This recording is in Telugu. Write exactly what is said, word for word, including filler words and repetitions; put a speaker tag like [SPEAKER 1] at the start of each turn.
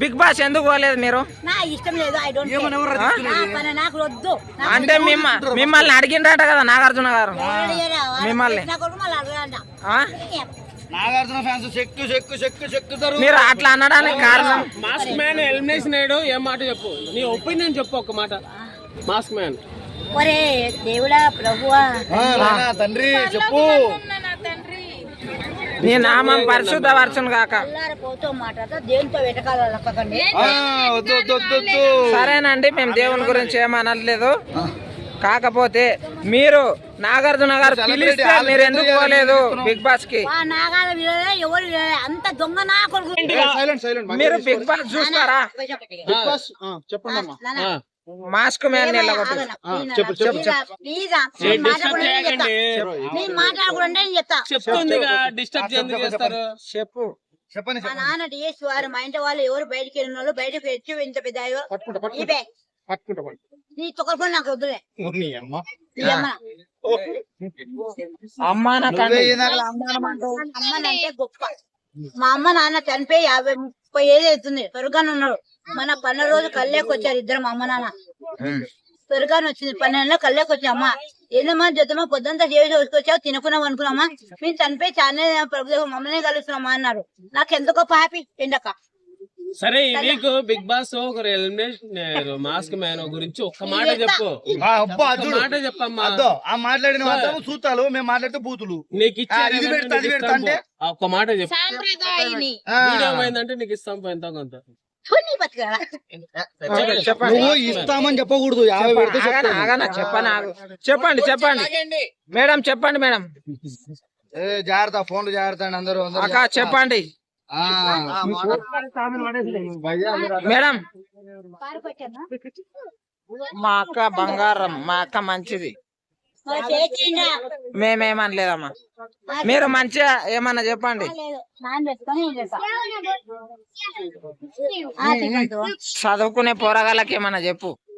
[SPEAKER 1] బిగ్ బాస్ ఎందుకు పోలేదు మీరు?
[SPEAKER 2] నా ఇష్టం లేదు. ఐ డోంట్ నాకు వద్దు.
[SPEAKER 1] అంటే మిమ్మల్ని అడిగిండ్రట కదా నాగార్జున గారు మిమ్మల్ని.
[SPEAKER 3] నాగార్జున ఫ్యాన్స్ చెక్కు చెక్కు చెక్కు చెక్కుతారు.
[SPEAKER 1] మీరు అట్లా అనడానికి కారణం?
[SPEAKER 4] మాస్క్ మ్యాన్ ఎలిమినేషన్ అయ్యాడు. ఏం మాట చెప్పు, నీ ఒపీనియన్ చెప్పు ఒక మాట. మాస్క్ మ్యాన్
[SPEAKER 2] ఒరే దేవుడా ప్రభువా
[SPEAKER 3] తండ్రి చెప్పు.
[SPEAKER 1] నీ నామం పరిశుద్ధ వర్షం కాక. సరేనండి, మేము దేవుని గురించి ఏమనట్లేదు. కాకపోతే మీరు నాగార్జున గారు పిలిస్తే మీరు ఎందుకు పోలేదు బిగ్ బాస్ కి? మీరు బిగ్ బాస్ చూస్తారా? మాస్క్ మ్యాన్ చెప్పు.
[SPEAKER 3] చెప్పండి.
[SPEAKER 2] మా నాన్న డిఎస్ వారు మా ఇంటి వాళ్ళు ఎవరు బయటికి వెళ్ళిన వాళ్ళు బయటకు వచ్చి ఇంత పెద్ద నీ తొక్కలు నాకు వద్దులే. అమ్మనంటే గొప్ప. మా అమ్మ నాన్న చనిపోయి యాభై ముప్పై ఏళ్ళు అవుతుంది. స్వర్గాన్ని ఉన్నాడు. మన పన్నెండు రోజు కళ్ళేకి వచ్చారు ఇద్దరు అమ్మ నాన్న. స్వర్గాన్ని వచ్చింది పన్నెండులో కళ్ళేకి వచ్చి అమ్మ ఏందమ్మా జతమా పొద్దుంతా చేసి వచ్చావు తినుకున్నాం అనుకున్నామా మేము చనిపోయి చాలా ప్రభుత్వం మమ్మల్ని కలుస్తున్నామా అన్నారు. నాకు ఎంత గొప్ప హ్యాపీ ఎండక.
[SPEAKER 4] సరే ఈ వీక్ బిగ్ బాస్ ఒకరు ఎలిమినేషన్ మాస్క్ మ్యాన్ గురించి ఒక్క మాట చెప్పు. మాట చెప్పమ్మా.
[SPEAKER 3] ఆ మాట్లాడిన చూస్తాలు మేము మాట్లాడితే బూతులు
[SPEAKER 4] నీకు ఇచ్చారు ఒక్క మాట చెప్పు. వీడియో పోయిందంటే నీకు ఇస్తాం ఎంత కొంత.
[SPEAKER 3] నువ్వు ఇస్తామని చెప్పకూడదు. యాభై పెడితే
[SPEAKER 1] చెప్పండి చెప్పండి చెప్పండి మేడం చెప్పండి మేడం.
[SPEAKER 3] జాగ్రత్త ఫోన్లు జాగ్రత్త అండి అందరూ.
[SPEAKER 1] అక్క చెప్పండి మేడం. మా అక్క బంగారం, మా అక్క మంచిది. మేమేమనలేదమ్మా. మీరు మంచిగా ఏమన్నా చెప్పండి. చదువుకునే పోరగాళ్ళకి ఏమన్నా చెప్పు.